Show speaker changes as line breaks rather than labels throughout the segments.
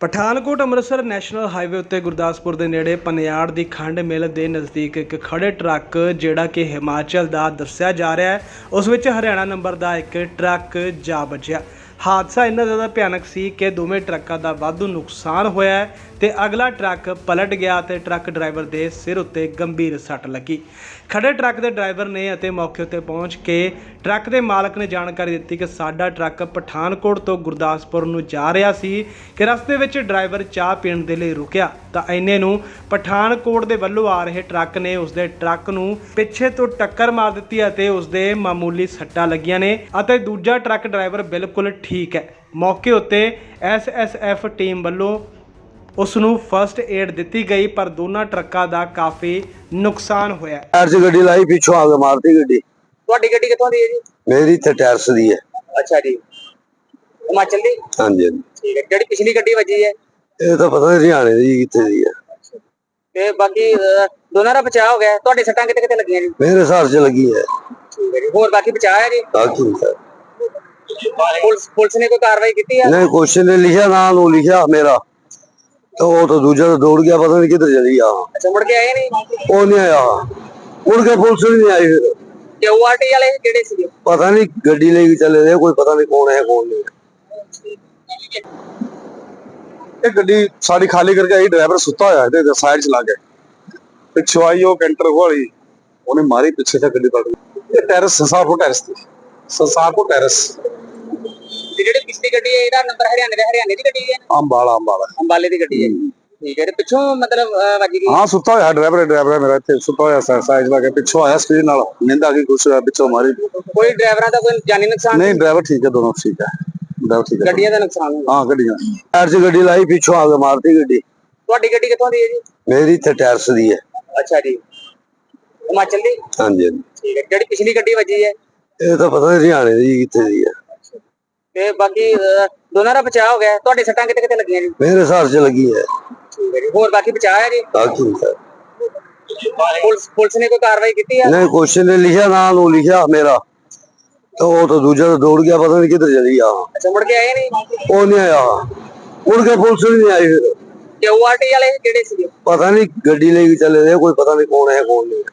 Pathankot Amritsar national highway ਉੱਤੇ ਗੁਰਦਾਸਪੁਰ ਦੇ ਨੇੜੇ ਪਨਿਆੜ ਦੀ ਖੰਡ ਮਿਲ ਦੇ ਨਜ਼ਦੀਕ ਇੱਕ ਖੜੇ ਟਰੱਕ ਜਿਹੜਾ ਕਿ ਹਿਮਾਚਲ ਦਾ ਦੱਸਿਆ ਜਾ ਰਿਹਾ ਹੈ, ਉਸ ਵਿੱਚ ਹਰਿਆਣਾ ਨੰਬਰ ਦਾ ਇੱਕ ਟਰੱਕ ਜਾ ਵੱਜਿਆ। ਹਾਦਸਾ ਇੰਨਾ ਜ਼ਿਆਦਾ ਭਿਆਨਕ ਸੀ ਕਿ ਦੋਵੇਂ ਟਰੱਕਾਂ ਦਾ ਵਾਧੂ ਨੁਕਸਾਨ ਹੋਇਆ ਹੈ ਤੇ ਅਗਲਾ ਟਰੱਕ ਪਲਟ ਗਿਆ ਤੇ ਟਰੱਕ ਡਰਾਈਵਰ ਦੇ ਸਿਰ ਉੱਤੇ ਗੰਭੀਰ ਸੱਟ ਲੱਗੀ। ਖੜੇ ਟਰੱਕ ਦੇ ਡਰਾਈਵਰ ਨੇ ਅਤੇ ਮੌਕੇ ਉੱਤੇ ਪਹੁੰਚ ਕੇ ਟਰੱਕ ਦੇ ਮਾਲਕ ਨੇ ਜਾਣਕਾਰੀ ਦਿੱਤੀ ਕਿ ਸਾਡਾ ਟਰੱਕ ਪਠਾਨਕੋਟ ਤੋਂ ਗੁਰਦਾਸਪੁਰ ਨੂੰ ਜਾ ਰਿਹਾ ਸੀ ਕਿ ਰਸਤੇ ਵਿੱਚ ਡਰਾਈਵਰ ਚਾਹ ਪੀਣ ਦੇ ਲਈ ਰੁਕਿਆ ਤਾਂ ਇੰਨੇ ਨੂੰ ਪਠਾਨਕੋਟ ਦੇ ਵੱਲੋਂ ਆ ਰਹੇ ਟਰੱਕ ਨੇ ਉਸਦੇ ਟਰੱਕ ਨੂੰ ਪਿੱਛੇ ਤੋਂ ਟੱਕਰ ਮਾਰ ਦਿੱਤੀ ਅਤੇ ਉਸਦੇ ਮਾਮੂਲੀ ਸੱਟਾਂ ਲੱਗੀਆਂ ਨੇ ਅਤੇ ਦੂਜਾ ਟਰੱਕ ਡਰਾਈਵਰ ਬਿਲਕੁਲ ਠੀਕ ਹੈ। ਮੌਕੇ ਉੱਤੇ SSF ਟੀਮ ਵੱਲੋਂ ਉਸ ਨੂੰ ਫਸਟ ਏਡ ਦਿੱਤੀ ਗਈ ਪਰ ਦੋਨਾਂ ਟਰੱਕਾਂ ਦਾ ਕਾਫੀ ਨੁਕਸਾਨ ਹੋਇਆ।
ਟਾਇਰ 'ਚ ਗੱਡੀ ਲਾਈ, ਪਿੱਛੋਂ ਆ ਕੇ ਮਾਰਤੀ ਗੱਡੀ।
ਤੁਹਾਡੀ ਗੱਡੀ ਕਿੱਥੋਂ ਦੀ ਹੈ ਜੀ?
ਮੇਰੀ ਇੱਥੇ ਟਾਇਰਸ ਦੀ ਹੈ।
ਅੱਛਾ ਜੀ, ਹਿਮਾਚਲ ਦੀ?
ਹਾਂਜੀ
ਠੀਕ ਹੈ। ਜਿਹੜੀ ਪਿਛਲੀ ਗੱਡੀ ਵੱਜੀ ਹੈ
ਇਹ ਤਾਂ ਪਤਾ ਨਹੀਂ ਹਰਿਆਣੇ ਦੀ ਕਿੱਥੇ ਦੀ ਹੈ।
ਤੇ ਬਾਕੀ ਦੋਨਾਂ ਦਾ ਬਚਾਅ ਹੋ ਗਿਆ। ਤੁਹਾਡੇ ਸੱਟਾਂ ਕਿਤੇ ਕਿਤੇ ਲੱਗੀਆਂ ਜੀ?
ਮੇਰੇ ਹਿਸਾਬ 'ਚ ਲੱਗੀ ਹੈ।
ਠੀਕ ਹੈ ਜੀ। ਹੋਰ ਬਾਕੀ ਬਚਾਅ ਹੈ ਜੀ?
ਬਾਕੀ
ਪੁਲਿਸ ਨੇ ਕੋਈ ਕਾਰਵਾਈ ਕੀਤੀ ਹੈ?
ਨਹੀਂ, ਕੁਐਸਚਨ ਨੇ ਲਿਖਿਆ, ਨਾਂ ਨੂੰ ਲਿਖਿਆ ਮੇਰਾ, ਤਾਂ ਉਹ ਤਾਂ ਦੂਜਾ ਤਾਂ ਦੌੜ ਗਿਆ, ਪਤਾ ਨਹੀਂ ਕਿੱਧਰ ਚਲੀ ਗਿਆ।
ਅੱਛਾ, ਮੁੜ ਕੇ ਆਏ ਨਹੀਂ?
ਉਹ ਨਹੀਂ ਆਇਆ, ਮੁੜ ਕੇ ਪੁਲਿਸ ਵੀ ਨਹੀਂ ਆਈ। ਫਿਰ
ਤੇ ORT ਵਾਲੇ ਕਿਹੜੇ ਸੀਗੇ?
ਪਤਾ ਨਹੀਂ, ਗੱਡੀ ਲੈ ਕੇ ਚਲੇ ਗਏ, ਕੋਈ ਪਤਾ ਨਹੀਂ ਕੌਣ ਹੈ ਕੌਣ ਨਹੀਂ।
ਇਹ ਗੱਡੀ ਸਾਡੀ ਖਾਲੀ ਕਰਕੇ ਆਈ, ਡਰਾਈਵਰ ਸੁੱਤਾ ਹੋਇਆ ਤੇ ਸਾਈਡ ਚਲਾ ਗਿਆ, ਪਿੱਛੋਂ ਆਈ ਉਹ ਕੈਂਟਰ ਵਾਲੀ, ਉਹਨੇ ਮਾਰੀ ਪਿੱਛੇ ਤੇ ਗੱਡੀ ਪਲਟ ਗਈ। ਇਹ ਟੈਰਸ ਸੰਸਾਰਪੁਰ ਟੈਰਸ ਤੇ ਸੰਸਾਰਪੁਰ ਟੈਰਸ।
ਤੇ ਜਿਹੜੀ ਪਿਛਲੀ ਗੱਡੀ ਹੈ ਇਹਦਾ ਨੰਬਰ ਹਰਿਆਣੇ ਦੀ ਗੱਡੀ ਹੈ?
ਅੰਬਾਲਾ
ਅੰਬਾਲੇ ਦੀ ਗੱਡੀ ਹੈ। ਠੀਕ ਹੈ। ਤੇ ਪਿੱਛੋਂ ਮਤਲਬ ਵੱਜ ਗਈ?
ਹਾਂ, ਸੁੱਤਾ ਹੋਇਆ ਡਰਾਈਵਰ ਮੇਰਾ ਇੱਥੇ ਸੁੱਤਾ ਹੋਇਆ ਸਾਈਡ ਲਾ ਕੇ, ਪਿੱਛੋਂ ਆਇਆ ਸਪੀਡ ਨਾਲ, ਨਿੰਦਾ ਕੀ ਕੁਛ ਪਿੱਛੋਂ ਮਾਰੀ।
ਕੋਈ ਡਰਾਈਵਰਾਂ ਦਾ ਕੋਈ ਜਾਨੀ ਨੁਕਸਾਨ?
ਨਹੀਂ, ਡਰਾਈਵਰ ਠੀਕ ਹੈ, ਦੋਨੋਂ ਠੀਕ ਹੈ, ਡਰਾਈਵਰ ਠੀਕ ਹੈ।
ਗੱਡੀਆਂ ਦਾ ਨੁਕਸਾਨ ਹੋਇਆ?
ਹਾਂ, ਗੱਡੀਆਂ।
ਟਾਇਰ 'ਚ ਗੱਡੀ ਲਾਈ, ਪਿੱਛੋਂ ਆ ਕੇ ਮਾਰਤੀ ਗੱਡੀ।
ਤੁਹਾਡੀ ਗੱਡੀ ਕਿੱਥੋਂ ਦੀ ਹੈ ਜੀ?
ਮੇਰੀ ਇੱਥੇ ਟਾਇਰਸ ਦੀ ਹੈ।
ਅੱਛਾ ਜੀ, ਹਿਮਾਚਲ ਦੀ?
ਹਾਂਜੀ
ਠੀਕ ਹੈ। ਜਿਹੜੀ ਪਿਛਲੀ ਗੱਡੀ ਵੱਜੀ ਹੈ
ਇਹ ਤਾਂ ਪਤਾ ਨਹੀਂ ਹਰਿਆਣੇ ਦੀ ਕਿੱਥੇ ਦੀ ਹੈ।
ਤੇ ਬਾਕੀ ਦੋਨਾਂ ਦਾ ਬਚਾਅ ਹੋ ਗਿਆ। ਤੁਹਾਡੇ ਸੱਟਾਂ ਕਿਤੇ ਕਿਤੇ ਲੱਗੀਆਂ ਜੀ?
ਮੇਰੇ ਹਿਸਾਬ 'ਚ ਲੱਗੀ ਹੈ।
ਠੀਕ ਹੈ ਜੀ। ਹੋਰ ਬਾਕੀ ਬਚਾਅ ਹੈ ਜੀ?
ਬਾਕੀ
ਪੁਲਿਸ ਨੇ ਕੋਈ ਕਾਰਵਾਈ ਕੀਤੀ ਹੈ?
ਨਹੀਂ, ਕੁਐਸਚਨ ਨੇ ਲਿਖਿਆ, ਨਾਂ ਨੂੰ ਲਿਖਿਆ ਮੇਰਾ, ਤਾਂ ਉਹ ਤਾਂ ਦੂਜਾ ਤਾਂ ਦੌੜ ਗਿਆ, ਪਤਾ ਨਹੀਂ ਕਿੱਧਰ ਚਲੀ ਗਿਆ।
ਅੱਛਾ, ਮੁੜ ਕੇ ਆਏ ਨਹੀਂ?
ਉਹ ਨਹੀਂ ਆਇਆ, ਮੁੜ ਕੇ ਪੁਲਿਸ ਵੀ ਨਹੀਂ ਆਈ। ਫਿਰ
ਤੇ ORT ਵਾਲੇ ਕਿਹੜੇ ਸੀਗੇ?
ਪਤਾ ਨਹੀਂ, ਗੱਡੀ ਲੈ ਕੇ ਚਲੇ ਗਏ, ਕੋਈ ਪਤਾ ਨਹੀਂ ਕੌਣ ਹੈ ਕੌਣ ਨਹੀਂ।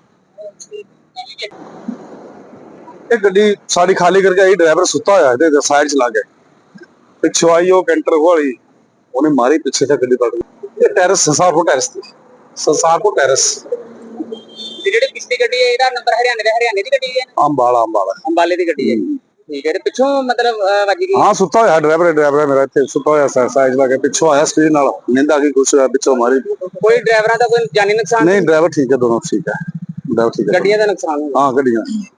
ਇਹ ਗੱਡੀ ਸਾਡੀ ਖਾਲੀ ਕਰਕੇ ਆਈ, ਡਰਾਈਵਰ ਸੁੱਤਾ ਹੋਇਆ ਤੇ ਸਾਈਡ ਚਲਾ ਗਿਆ, ਪਿੱਛੋਂ ਆਈ ਉਹ ਕੈਂਟਰ ਵਾਲੀ, ਉਹਨੇ ਮਾਰੀ ਪਿੱਛੇ ਤੇ ਗੱਡੀ ਪਲਟ ਗਈ। ਇਹ ਟੈਰਸ ਸੰਸਾਰਪੁਰ ਟੈਰਸ ਤੇ ਸੰਸਾਰਪੁਰ ਟੈਰਸ।
ਤੇ ਜਿਹੜੀ ਪਿਛਲੀ ਗੱਡੀ ਹੈ ਇਹਦਾ ਨੰਬਰ ਹਰਿਆਣੇ ਦੀ ਗੱਡੀ ਹੈ?
ਅੰਬਾਲਾ
ਅੰਬਾਲੇ ਦੀ ਗੱਡੀ ਹੈ। ਠੀਕ ਹੈ। ਤੇ ਪਿੱਛੋਂ ਮਤਲਬ ਵੱਜ ਗਈ?
ਹਾਂ, ਸੁੱਤਾ ਹੋਇਆ ਡਰਾਈਵਰ ਮੇਰਾ ਇੱਥੇ ਸੁੱਤਾ ਹੋਇਆ ਸਾਈਡ ਲਾ ਕੇ, ਪਿੱਛੋਂ ਆਇਆ ਸਪੀਡ ਨਾਲ, ਨਿੰਦਾ ਕੀ ਕੁਛ ਪਿੱਛੋਂ ਮਾਰੀ।
ਕੋਈ ਡਰਾਈਵਰਾਂ ਦਾ ਕੋਈ ਜਾਨੀ ਨੁਕਸਾਨ?
ਨਹੀਂ, ਡਰਾਈਵਰ ਠੀਕ ਹੈ, ਦੋਨੋਂ ਠੀਕ ਹੈ, ਡਰਾਈਵਰ ਠੀਕ ਹੈ।
ਗੱਡੀਆਂ ਦਾ ਨੁਕਸਾਨ ਹੋਇਆ?
ਹਾਂ, ਗੱਡੀਆਂ।